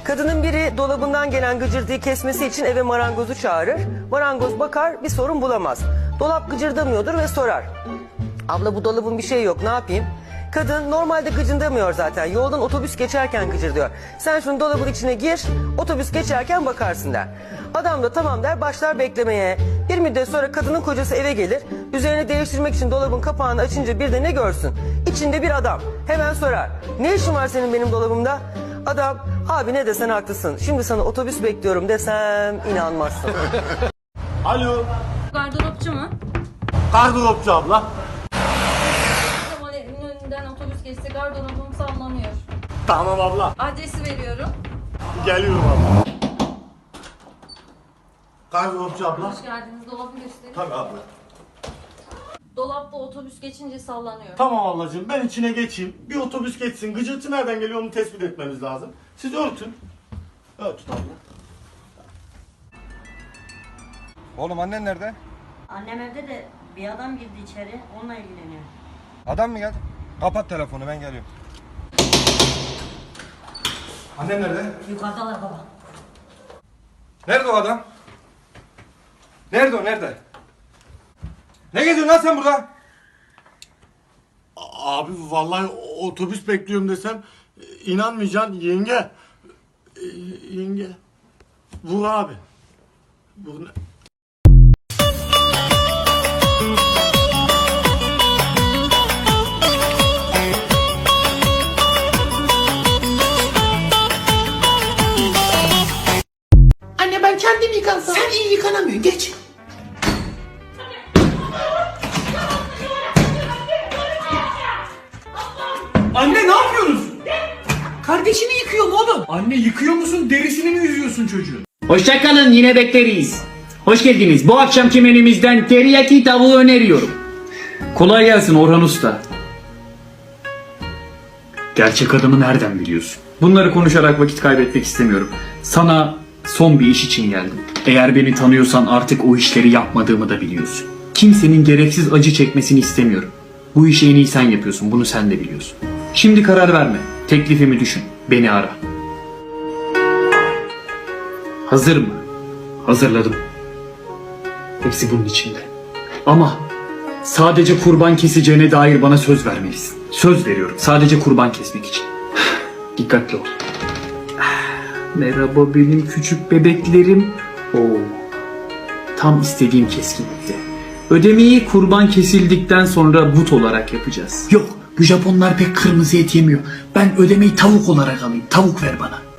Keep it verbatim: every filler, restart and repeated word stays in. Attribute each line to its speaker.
Speaker 1: Kadının biri dolabından gelen gıcırtıyı kesmesi için eve marangozu çağırır. Marangoz bakar, bir sorun bulamaz. Dolap gıcırdamıyordur ve sorar. Abla bu dolabın bir şey yok, ne yapayım? Kadın normalde gıcırdamıyor zaten. Yoldan otobüs geçerken gıcırdıyor. Sen şunu dolabın içine gir, otobüs geçerken bakarsın der. Adam da tamam der, başlar beklemeye. Bir müddet sonra kadının kocası eve gelir. Üzerini değiştirmek için dolabın kapağını açınca bir de ne görsün? İçinde bir adam. Hemen sorar. Ne işin var senin benim dolabımda? Adam, abi ne desen haklısın. Şimdi sana otobüs bekliyorum desem inanmazsın.
Speaker 2: Alo.
Speaker 3: Gardıropçu mu?
Speaker 2: Gardıropçu abla.
Speaker 3: Kemal evinin önünden otobüs geçse gardıropum sallanıyor.
Speaker 2: Tamam abla.
Speaker 3: Adresi veriyorum.
Speaker 2: Geliyorum abla. Gardıropçu abla.
Speaker 3: Hoş geldiniz. Dolabı göstereyim.
Speaker 2: Tabii abla.
Speaker 3: Dolapta otobüs geçince sallanıyor.
Speaker 2: Tamam ablacığım, ben içine geçeyim. Bir otobüs geçsin. Gıcırtı nereden geliyor onu tespit etmemiz lazım. Siz örtün. Örtün abla.
Speaker 4: Oğlum annen nerede?
Speaker 5: Annem evde de bir adam girdi içeri, onunla ilgileniyor.
Speaker 4: Adam mı geldi? Kapat telefonu, ben geliyorum. Annen nerede?
Speaker 5: Yukarıdalar baba.
Speaker 4: Nerede o adam? Nerede o, nerede? Ne geziyorsun lan sen burada?
Speaker 2: Abi vallahi otobüs bekliyorum desem inanmayacaksın yenge. Ee, Yenge. Vur abi. Vur ne?
Speaker 6: Anne ben kendim yıkansam. Sen iyi yıkanamıyorsun, geç. Anne ne yapıyoruz? Kardeşini yıkıyorum oğlum. Anne yıkıyor musun, derisini mi yüzüyorsun çocuğun?
Speaker 7: Hoşçakalın, yine bekleriz. Hoş geldiniz. Bu akşamki menümüzden teriyaki tavuğu öneriyorum. Kolay gelsin Orhan Usta. Gerçek adımı nereden biliyorsun? Bunları konuşarak vakit kaybetmek istemiyorum. Sana son bir iş için geldim. Eğer beni tanıyorsan artık o işleri yapmadığımı da biliyorsun. Kimsenin gereksiz acı çekmesini istemiyorum. Bu işi en iyi sen yapıyorsun, bunu sen de biliyorsun. Şimdi karar verme. Teklifimi düşün. Beni ara. Hazır mı? Hazırladım. Hepsi bunun içinde. Ama sadece kurban keseceğine dair bana söz vermelisin. Söz veriyorum. Sadece kurban kesmek için. Dikkatli ol. Merhaba benim küçük bebeklerim. Oo. Tam istediğim keskinlikte. Ödemeyi kurban kesildikten sonra but olarak yapacağız.
Speaker 6: Yok, bu Japonlar pek kırmızı et yemiyor. Ben ödemeyi tavuk olarak alayım. Tavuk ver bana.